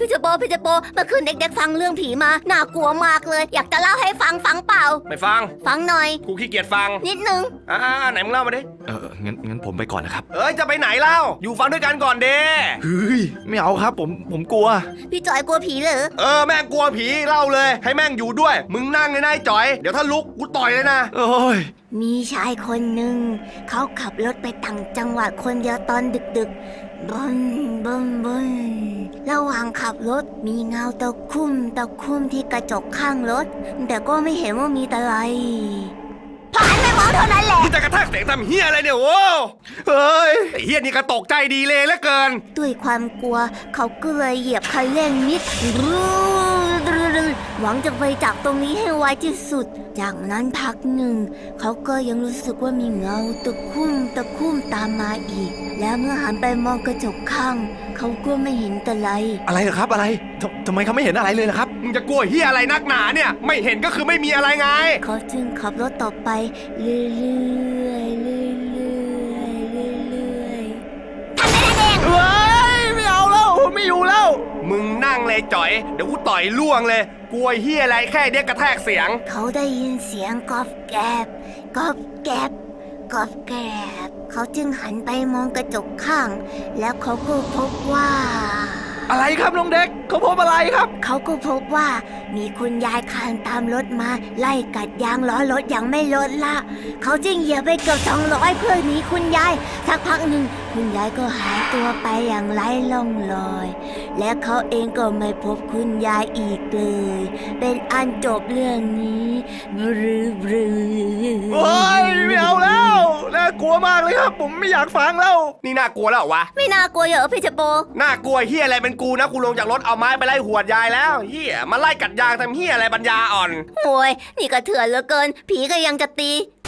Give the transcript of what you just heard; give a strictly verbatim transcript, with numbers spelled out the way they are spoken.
พี่เจโปพี่เจโปเมื่อคืนเด็กๆฟังเรื่องผีมาน่ากลัวมากเลยอยากจะเล่าให้ฟังฟังเปล่าไม่ฟังฟังหน่อยกูขี้เกียจฟังนิดนึงอ่าไหนมึงเล่ามาดิเอองั้นงั้นผมไปก่อนนะครับเอ้ยจะไปไหนเล่าอยู่ฟังด้วยกันก่อนเด้เฮ้ยไม่เอาครับผมผมกลัวพี่จอยกลัวผีเหรอเออแม่งกลัวผีเล่าเลยให้แม่งอยู่ด้วยมึงนั่งเลยนายจ่อยเดี๋ยวถ้าลุกกูต่อยเลยนะโอ้ยมีชายคนหนึ่งเขาขับรถไปต่างจังหวัดคนเดียวตอนดึกๆบนบนบนระหว่างขับรถมีเงาตะคุ่มตะคุ่มที่กระจกข้างรถแต่ก็ไม่เห็นว่ามีอะไรพอหันไปมองเท่านั้นแหละมึงจะกระแทกเสียงทำเฮียอะไรเนี่ยโว้เฮ้ยไอ้เฮียนี่กระตกใจดีเลยเหลือเกินด้วยความกลัวเขาก็เลยเหยียบคันเร่งนิดหวังจะไปจากตรงนี้ให้ไวที่สุดจากนั้นพักหนึ่งเขาก็ยังรู้สึกว่ามีเงาตะคุ่มตะคุ่มตามมาอีกแล้วเมื่อหันไปมองกระจกข้างเขาก็ไม่เห็นอะไรอะไรเหรอครับอะไรททำไมเขาไม่เห็นอะไรเลยล่ะครับมึงจะกลัวเฮียอะไรนักหนาเนี่ยไม่เห็นก็คือไม่มีอะไรไงเขาจึงขับรถต่อไปเรื่อยๆเรื่อยๆเรื่อยๆทำได้แดงเฮ้ยไม่เอาแล้วไม่อยู่แล้วมึงนั่งเลยจ่อยเดี๋ยวกูต่อยล่วงเลยกลัวเฮียอะไรแค่เนี้ยกระแทกเสียงเขาได้ยินเสียงกอบแกบกอบแกบกอบแกบเขาจึงหันไปมองกระจกข้างแล้วเขาก็พบว่าอะไรครับน้องเด็กเขาพบอะไรครับเขาก็พบว่ามีคุณยายคลานตามรถมาไล่กัดยางล้อรถอย่างไม่ลดละเขาจึงเหยียบไปเกือบสองร้อยเพื่อหนีคุณยายสักพักหนึ่งคุณยายก็หายตัวไปอย่างไร้ร่องรอยและเขาเองก็ไม่พบคุณยายอีกเลยเป็นอันจบเรื่องนี้บรือบรืโอ้ยไม่เอาแล้วน่ากลัวมากเลยครับผมไม่อยากฟังแล้วนี่น่ากลัวแล้วเหรอวะไม่น่ากลัวเหรอพี่เจโปน่ากลัวเฮียอะไรเป็นกูนะกูลงจากรถเอาไม้ไปไล่หวดยายแล้วเฮียมาไล่กัดยางทำเฮียอะไรปัญญาอ่อนโอ้ยนี่ก็เถื่อนเหลือเกินผีก็ยังจะตี